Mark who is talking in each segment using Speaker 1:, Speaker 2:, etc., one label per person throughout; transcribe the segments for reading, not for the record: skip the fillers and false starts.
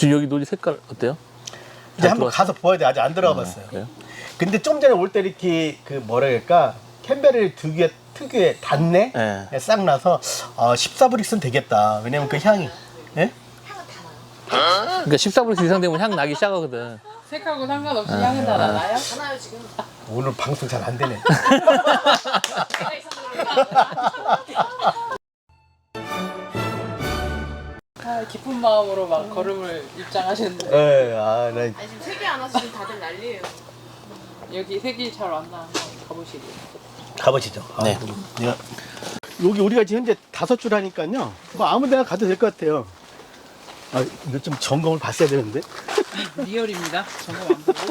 Speaker 1: 지금 여기 노지 색깔 어때요?
Speaker 2: 이제 한번 가서 보아야 돼. 아직 안 들어가 봤어요.
Speaker 1: 그래요?
Speaker 2: 근데 좀 전에 올 때 이렇게 그 뭐라 그럴까 캔베리 특유의 단내
Speaker 1: 네.
Speaker 2: 싹 나서 14브릭스는 되겠다. 왜냐면 그 향이 예?
Speaker 1: 그러니까 14브릭스 이상 되면 향 나기 시작하거든.
Speaker 3: 색하고 상관없이 향은 다 나나요?
Speaker 4: 하나요 지금?
Speaker 2: 오늘 방송 잘 안 되네.
Speaker 4: 제가 있어서 그런가?
Speaker 3: 기쁜 마음으로 막 걸음을 입장하셨는데
Speaker 2: 예, 나
Speaker 4: 아니 지금 세개 안 와서 지금 다들 난리예요.
Speaker 3: 여기 색이 잘 안 나. 가보시게.
Speaker 2: 가보시죠.
Speaker 1: 네.
Speaker 2: 여기 우리가 지금 현재 5줄 하니까요. 뭐 아무데나 가도 될 것 같아요. 이거 좀 점검을 봤어야 되는데.
Speaker 3: 리얼입니다. 점검 안 보고.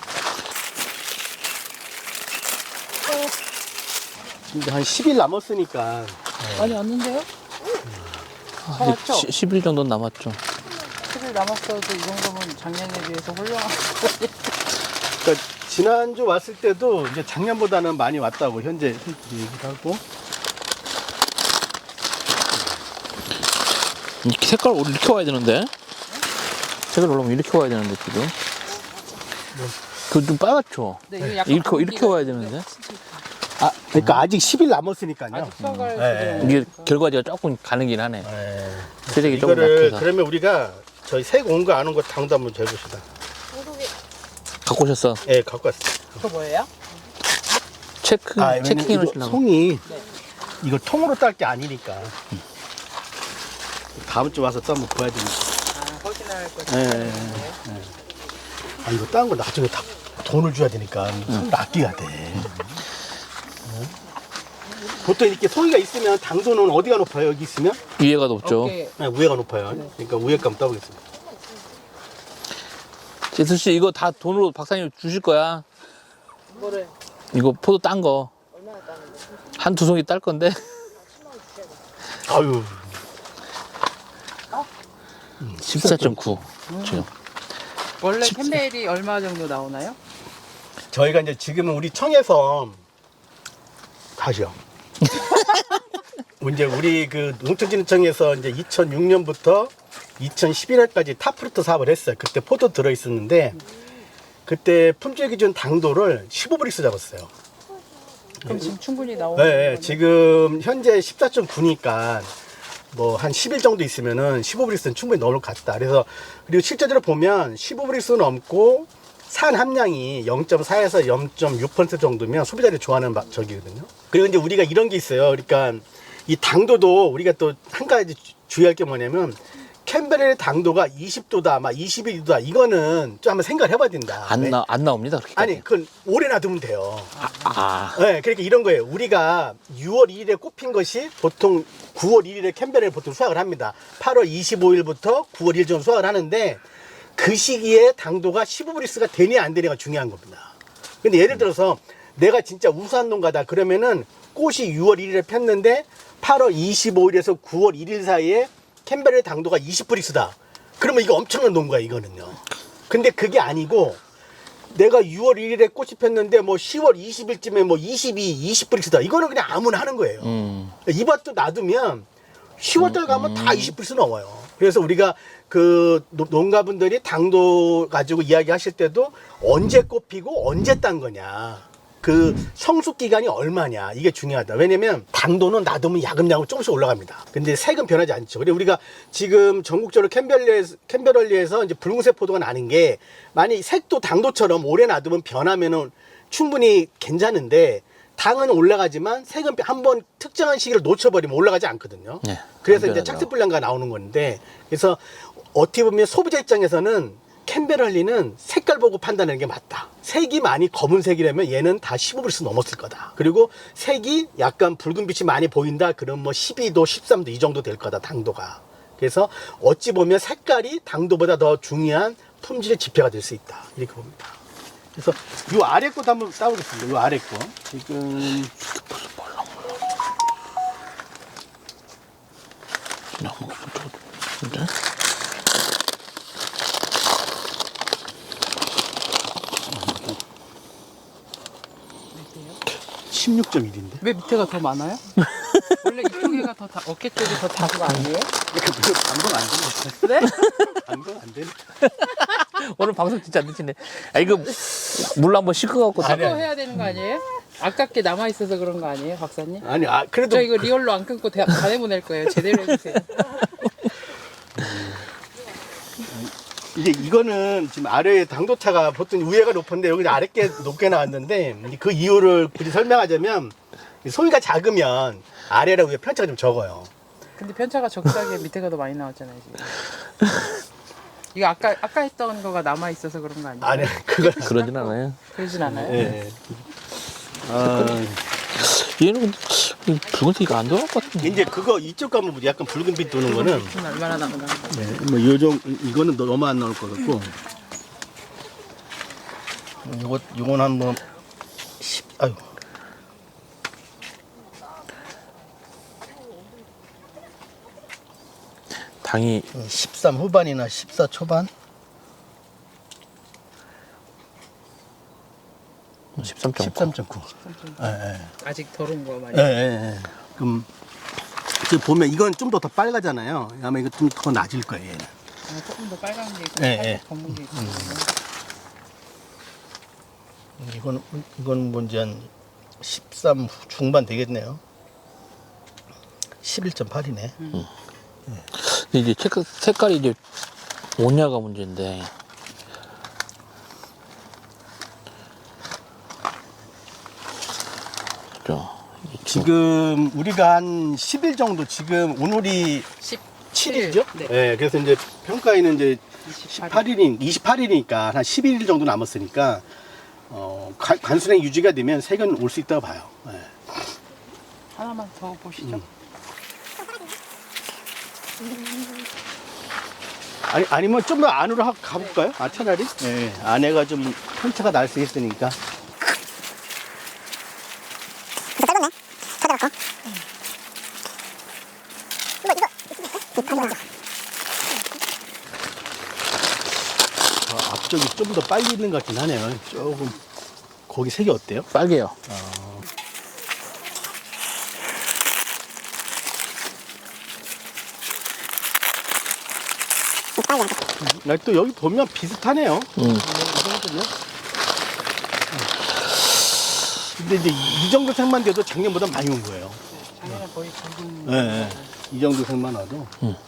Speaker 2: 지금 한 10일 남았으니까.
Speaker 3: 많이 왔는데요? 잘 왔죠?
Speaker 1: 10일 정도 남았죠.
Speaker 3: 10일 남았어도 이 정도면 작년에 비해서 훌륭한
Speaker 2: 그러니까 지난주 왔을 때도 이제 작년보다는 많이 왔다고 현재 얘기를 하고.
Speaker 1: 이렇게 색깔 이렇게 와야 되는데. 색깔 올라오면 이렇게 와야 되는데 지금. 그 좀 빨갛죠.
Speaker 3: 네, 이거 약간
Speaker 1: 이렇게 와야 되는데.
Speaker 2: 그러니까 아직 10일 남았으니까요.
Speaker 3: 아직 수확할
Speaker 2: 네.
Speaker 3: 수도
Speaker 1: 이게 결과지가 조금 가는긴 하네.
Speaker 2: 네.
Speaker 1: 세력이 조금
Speaker 2: 이거를
Speaker 1: 약해서.
Speaker 2: 그러면 우리가 저희 색 온 거 안 온 거 당도 한번 재봅시다.
Speaker 1: 갖고 오셨어.
Speaker 2: 예, 갖고 왔어요.
Speaker 3: 그거 뭐예요?
Speaker 2: 왜냐면
Speaker 1: 체킹해
Speaker 2: 이거
Speaker 1: 놓으시려고.
Speaker 2: 송이
Speaker 3: 네.
Speaker 2: 이거 통으로 딸 게 아니니까. 다음 주 와서 또 한번 봐야 되니까.
Speaker 3: 확인할 거.
Speaker 2: 예. 이거 딴 거 나중에 다 돈을 줘야 되니까 손을 아껴야 돼. 보통 이렇게 송이가 있으면 당도는 어디가 높아요? 여기 있으면?
Speaker 1: 위에가 높죠.
Speaker 3: 어깨
Speaker 2: 네, 위에가 높아요. 그러니까 위에 감 떠보겠습니다.
Speaker 1: 제수 씨 이거 다 돈으로 박사님 주실 거야.
Speaker 3: 뭐를
Speaker 1: 이거 포도 딴 거.
Speaker 4: 얼마나 따는데?
Speaker 1: 한두 송이 딸 건데.
Speaker 2: 아유.
Speaker 1: 14.9. 지금.
Speaker 3: 원래 캔벨이 얼마 정도 나오나요?
Speaker 2: 저희가 이제 지금은 우리 청에서 다시요. 이제 우리 그 농촌진흥청에서 이제 2006년부터 2011년까지 탑프루트 사업을 했어요. 그때 포도 들어 있었는데 그때 품질 기준 당도를 15브릭스 잡았어요.
Speaker 3: 그럼 지금 충분히 나오는
Speaker 2: 네,
Speaker 3: 거네요.
Speaker 2: 지금 현재 14.9니까 뭐 한 10일 정도 있으면은 15브릭스는 충분히 넘을 것 같다. 그래서 그리고 실제적으로 보면 15브릭스 넘고 산 함량이 0.4에서 0.6% 정도면 소비자들이 좋아하는 적이거든요. 그리고 이제 우리가 이런 게 있어요. 그러니까 이 당도도 우리가 또 한 가지 주의할 게 뭐냐면 캔베리의 당도가 20도다, 막 22도다. 이거는 좀 한번 생각을 해봐야 된다.
Speaker 1: 안 나옵니다. 그렇게.
Speaker 2: 아니, 그건 오래 놔두면 돼요.
Speaker 1: 아.
Speaker 2: 네, 그러니까 이런 거예요. 우리가 6월 1일에 꼽힌 것이 보통 9월 1일에 캔베리를 보통 수확을 합니다. 8월 25일부터 9월 1일 정도 수확을 하는데 그 시기에 당도가 15브릭스가 되냐 안 되냐가 중요한 겁니다. 근데 예를 들어서 내가 진짜 우수한 농가다 그러면은 꽃이 6월 1일에 폈는데 8월 25일에서 9월 1일 사이에 캔베리의 당도가 20브릭스다. 그러면 이거 엄청난 농가야 이거는요. 근데 그게 아니고 내가 6월 1일에 꽃이 폈는데 뭐 10월 20일쯤에 뭐 20브릭스다. 이거는 그냥 아무나 하는 거예요. 이 밭도 놔두면 10월달 가면 다 20브릭스 넘어요. 그래서 우리가 그 농가분들이 당도 가지고 이야기하실 때도 언제 꽃 피고 언제 딴 거냐. 그 성숙 기간이 얼마냐 이게 중요하다. 왜냐면 당도는 놔두면 야금야금 조금씩 올라갑니다. 근데 색은 변하지 않죠. 그리고 우리가 지금 전국적으로 캔베럴리에서 이제 붉은색 포도가 나는 게 만약 색도 당도처럼 오래 놔두면 변하면은 충분히 괜찮은데 당은 올라가지만 색은 한번 특정한 시기를 놓쳐버리면 올라가지 않거든요.
Speaker 1: 네,
Speaker 2: 그래서
Speaker 1: 안
Speaker 2: 이제
Speaker 1: 변하죠.
Speaker 2: 착색 불량가 나오는 건데 그래서 어떻게 보면 소비자 입장에서는 캔베럴리는 색깔 보고 판단하는 게 맞다. 색이 많이 검은색이라면 얘는 다 15브릭스 넘었을 거다. 그리고 색이 약간 붉은 빛이 많이 보인다. 그럼 뭐 12도, 13도 이 정도 될 거다. 당도가. 그래서 어찌 보면 색깔이 당도보다 더 중요한 품질의 지표가 될 수 있다. 이렇게 봅니다. 그래서 이 아래 것도 한번 따보겠습니다. 이 아래 거. 지금
Speaker 1: 진짜?
Speaker 2: 16.1인데.
Speaker 3: 왜 밑에가 더 많아요? 원래 이쪽에가 어깨 쪽이 더 작은 거 아니에요?
Speaker 2: 방송 안 되네.
Speaker 3: 네?
Speaker 2: 방송 안 되네.
Speaker 1: 오늘 방송 진짜 안 되시네. 아, 이거 물 한번 씻어갖고.
Speaker 2: 아니,
Speaker 3: 그거 해야 되는 거 아니에요? 아깝게 남아 있어서 그런 거 아니에요, 박사님?
Speaker 2: 아니, 그래도
Speaker 3: 저 이거 리얼로 안 끊고 다 내보낼 거예요. 제대로 해주세요.
Speaker 2: 이거는 지금 아래 당도차가 보통 위에가 높은데 여기 아래께 높게 나왔는데 그 이유를 굳이 설명하자면 소위가 작으면 아래랑 위에 편차가 좀 적어요.
Speaker 3: 근데 편차가 적다기에 밑에가 더 많이 나왔잖아요, 지금. 이거 아까 했던 거가 남아 있어서 그런 거 아니에요?
Speaker 2: 아니, 그건
Speaker 1: 그러진 않아요.
Speaker 3: 그러진 않아요?
Speaker 2: 예.
Speaker 1: 얘는 근데 붉은색이 안 들어갈 것 같은데.
Speaker 2: 이제 그거 이쪽 가면 약간 붉은빛 도는 거는
Speaker 3: 좀 얼마나 남았나?
Speaker 2: 뭐 요정 이거는 너무 안 나올 것 같고 요건 한번 10 아유
Speaker 1: 당이
Speaker 2: 13 후반이나 14 초반
Speaker 1: 13.9.
Speaker 2: 13.9. 예,
Speaker 3: 아직 덜 온 거 많이.
Speaker 2: 예. 예. 그럼 지금 보면 이건 좀 더 빨갛잖아요. 아마 이거 좀 더 낮을 거예요. 얘는.
Speaker 3: 조금 더 빨간 게 있고,
Speaker 2: 예,
Speaker 3: 살짝
Speaker 2: 예.
Speaker 3: 검은 게 있고.
Speaker 2: 이건 뭔지 한 13 중반 되겠네요. 11.8이네.
Speaker 1: 근데 이제 색깔이 이제 오냐가 문제인데. 그죠.
Speaker 2: 지금 우리가 한 10일 정도 지금 오늘이 7일이죠?
Speaker 3: 네.
Speaker 2: 네. 그래서 이제 평가에는 이제
Speaker 3: 28일.
Speaker 2: 28일이니까 한 11일 정도 남았으니까 관수량 유지가 되면 색은 올 수 있다고 봐요. 네.
Speaker 3: 하나만 더 보시죠.
Speaker 2: 아니면 좀 더 안으로 가볼까요? 차라리? 네. 안에가 좀 편차가 날 수 있으니까. 앞쪽이 좀 더 빨리 있는 것 같긴 하네요. 조금 거기 색이 어때요?
Speaker 1: 빨개요.
Speaker 2: 또 여기 보면 비슷하네요. 근데 이제 이 정도 색만 돼도 작년보다 많이 온 거예요.
Speaker 3: 작년에 거의 붉은.
Speaker 2: 네. 이 정도 색만 와도.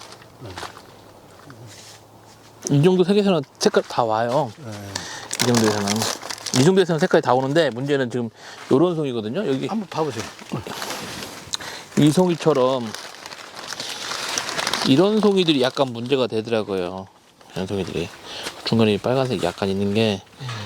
Speaker 1: 이 정도 색에서는 색깔 다 와요. 이 정도에서는. 이 정도에서는 색깔이 다 오는데 문제는 지금 요런 송이거든요. 여기
Speaker 2: 한번 봐보세요.
Speaker 1: 이 송이처럼 이런 송이들이 약간 문제가 되더라고요. 이런 송이들이 중간에 빨간색이 약간 있는 게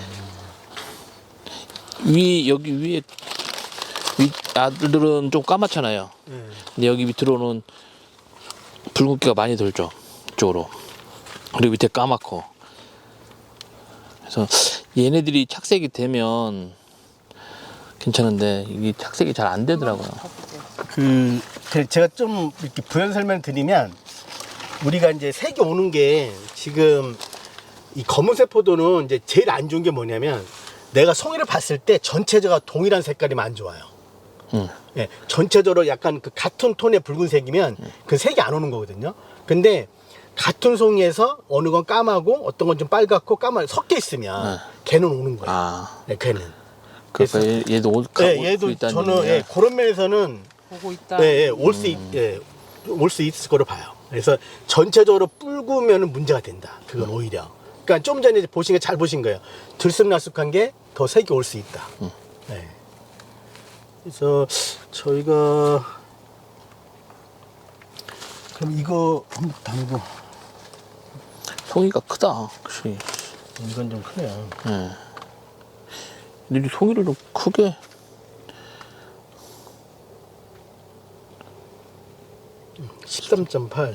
Speaker 1: 여기 위에 위 아들들은 좀 까맣잖아요. 근데 여기 밑으로는 붉은기가 많이 돌죠. 이쪽으로. 그리고 밑에 까맣고. 그래서 얘네들이 착색이 되면 괜찮은데 이게 착색이 잘 안 되더라고요.
Speaker 2: 제가 좀 이렇게 부연 설명 드리면 우리가 이제 색이 오는 게 지금 이 검은색 포도는 이제 제일 안 좋은 게 뭐냐면 내가 송이를 봤을 때 전체적으로 동일한 색깔이면 안 좋아요. 예, 전체적으로 약간 그 같은 톤의 붉은색이면 그 색이 안 오는 거거든요. 근데 같은 송이에서 어느 건 까마고 어떤 건 좀 빨갛고 섞여 있으면 걔는 오는 거예요.
Speaker 1: 아,
Speaker 2: 네, 걔는.
Speaker 1: 그러니까 얘도 올
Speaker 2: 얘도
Speaker 1: 수 있다는
Speaker 2: 저는
Speaker 1: 얘기네요.
Speaker 2: 그런 면에서는
Speaker 3: 보고 있다.
Speaker 2: 올 수 있을 거로 봐요. 그래서 전체적으로 붉으면 문제가 된다. 그건 오히려. 그러니까 좀 전에 보신 게 잘 보신 거예요. 들쑥날쑥한 게 더 색이 올 수 있다. 네. 그래서 저희가 그럼 이거 한번 담고
Speaker 1: 송이가 크다. 확실히.
Speaker 2: 이건 좀 크네요.
Speaker 1: 예. 근데 이 송이를 좀 크게.
Speaker 2: 음, 13.8.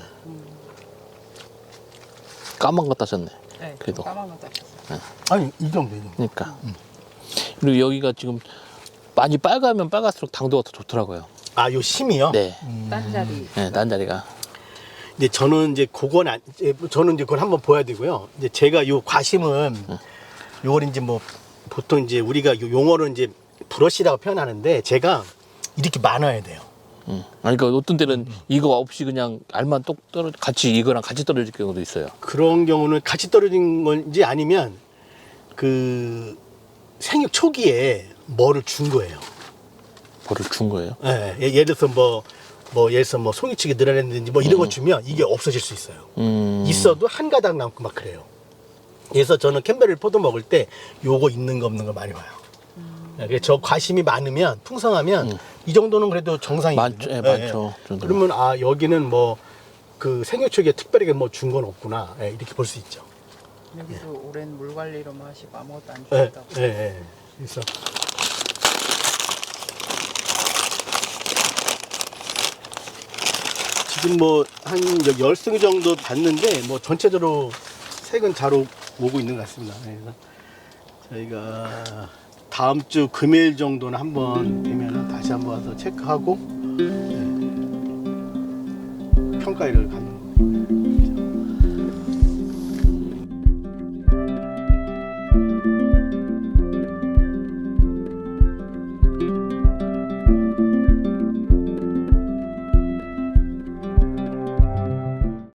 Speaker 1: 까만 거 따셨네.
Speaker 3: 네,
Speaker 1: 그래도.
Speaker 3: 까만 거 따셨어요.
Speaker 2: 아니 이 정도.
Speaker 1: 그러니까. 그리고 여기가 지금 많이 빨가면 빨갈수록 당도가 더 좋더라고요.
Speaker 2: 아, 요 심이요?
Speaker 1: 네.
Speaker 3: 딴 자리.
Speaker 1: 네, 딴 자리가.
Speaker 2: 이제 저는 이제 저는 이제 그걸 한번 보야 되고요. 이제 제가 요 과심은 요걸 이제 뭐 보통 이제 우리가 요 용어로 이제 브러쉬라고 표현하는데 제가 이렇게 많아야 돼요.
Speaker 1: 아니, 그러니까 어떤 때는 이거 없이 그냥 알만 똑 같이 이거랑 같이 떨어질 경우도 있어요.
Speaker 2: 그런 경우는 같이 떨어진 건지 아니면 그 생육 초기에 뭐를 준 거예요.
Speaker 1: 뭐를 준 거예요?
Speaker 2: 예, 예를 들어서 예를 들어서 송이치기 늘어냈는지 뭐 이런 거 주면 이게 없어질 수 있어요. 있어도 한 가닥 남고 막 그래요. 그래서 저는 캠벨을 포도 먹을 때 요거 있는 거 없는 거 많이 봐요. 그래서 저 과심이 많으면 풍성하면 이 정도는 그래도 정상이거든요.
Speaker 1: 많죠. 예, 많죠.
Speaker 2: 그러면 아 여기는 뭐 그 생육 초기에 특별하게 뭐 준 건 없구나. 예, 이렇게 볼 수 있죠.
Speaker 3: 여기도 오랜 물 관리로만 하시고 아무것도 안
Speaker 2: 예,
Speaker 3: 주셨다고.
Speaker 2: 예, 예. 그래서 지금 뭐 한 10승 정도 봤는데 뭐 전체적으로 색은 잘 오고 있는 것 같습니다. 그래서 저희가 다음 주 금요일 정도는 한번 되면 다시 한번 와서 체크하고 네, 평가를 갖는 거예요.